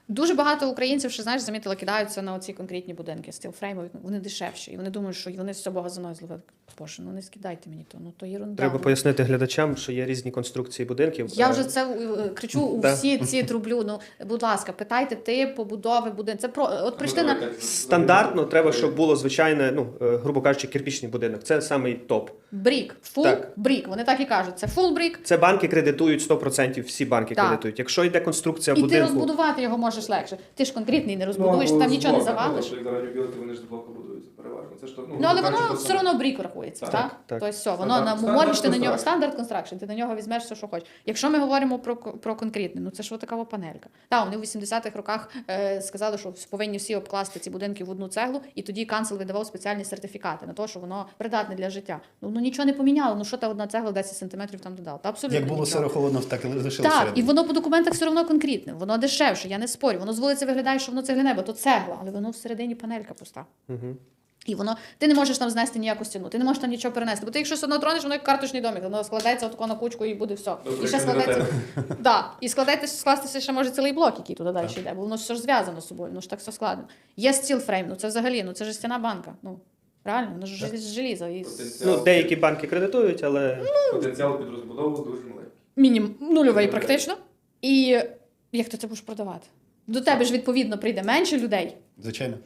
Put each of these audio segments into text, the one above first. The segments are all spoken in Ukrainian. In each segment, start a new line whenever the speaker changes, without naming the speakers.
Дуже багато українців, що, знаєш, замітила, кидаються на оці конкретні будинки стілфреймові. Вони дешевші. І вони думають, що вони з цього газоною зловили. Боже, ну не скидайте мені то, ну то єрунда.
Треба пояснити глядачам, що є різні конструкції будинків.
Я вже це кричу у всі ці трублю. Ну, будь ласка, питайте тип побудови будинку. Це про от прийшли на
стандартно треба, щоб було звичайне, ну, грубо кажучи, кирпічний будинок. Це самий топ.
брік, фул брік. Вони так і кажуть. Це фул брік.
Це банки кредитують 100%, всі банки
Так.
кредитують. Якщо йде конструкція
І
будинку...
ти розбудувати його можеш легше. Ти ж конкретний не розбудуєш, там нічого не завалиш.
Як радіобілки, вони ж з блоку будуються переважно. Це ж,
Ну, але воно все одно брік рахується, так?
Так.
Тобто все, воно можеш ти на нього, стандарт констракшн, ти на нього візьмеш все, що хочеш. Якщо ми говоримо про конкретне, ну це ж така панелька. Так, вони в 80-х роках сказали, що повинні всі обкласти ці будинки в одну цеглу, і тоді канцел видавав спеціальні сертифікати на те, що воно придатне для життя. Ну нічого не поміняло, ну що та одна цегла 10 сантиметрів там додала? Та абсолютно
Як було
нічого.
сиро-холодно, так і лишилося.
Так, і воно по документах все одно конкретне, воно дешевше, я не спорю. Воно з вулиці виглядає, що воно цегляне, бо то цегла, але воно всередині панелька пуста.
Угу.
І воно, ти не можеш там знести ніяку стіну, ти не можеш там нічого перенести. Бо ти якщо одно тронеш, воно як карточний домик, воно складається отако на кучку і буде все. І ще складається. Да. І скластися ще може цілий блок, який туди далі йде, бо воно все ж зв'язано з собою, воно ж так все складено. Є стілфрейм, ну це взагалі, ну це ж стіна банка. Ну, реально, воно ж з желіза. І...
Ну, деякі банки кредитують, але...
Потенціал під розбудову дуже маленький.
Нульовий практично. І як ти це будеш продавати? До тебе ж, відповідно, прийде менше людей.
Звичайно.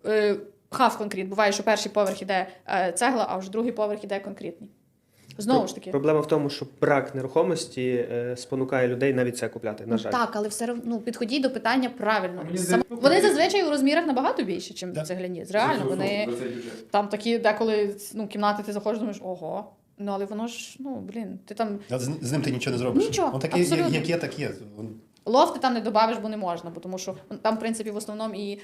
Хав конкрет. Буває, що перший поверх іде цегла, а вже другий поверх іде конкретний. Знову ж таки.
Проблема в тому, що брак нерухомості спонукає людей навіть це купляти, на жаль.
Так, але все одно підходіть до питання правильно.
Мені здається,
Вони зазвичай у розмірах набагато більше, ніж
Так.
цегляні. Реально, вони там такі деколи кімнати ти заходиш, думаєш, ого. Ну, але воно ж, ти там...
А з ним ти нічого не зробиш.
Нічого,
Он такий,
абсолютно.
як є, так є.
Лофти там не добавиш, бо не можна, бо тому що там, в принципі, в основному і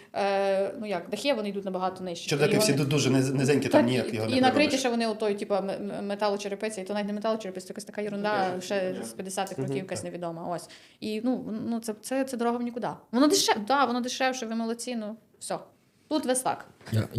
дахи, вони йдуть набагато нижче.
Чердаки всі дуже низенькі, там ніяк його не
і накриті
переробиш.
ще вони отой, металочерепиця, і то навіть не металочерепиця, це якась така ерунда, ще з 50-х років якась невідома. Ось. І це дорога в нікуди. Воно дешевше, воно дешевше, ви молодці, все. Тут весь так.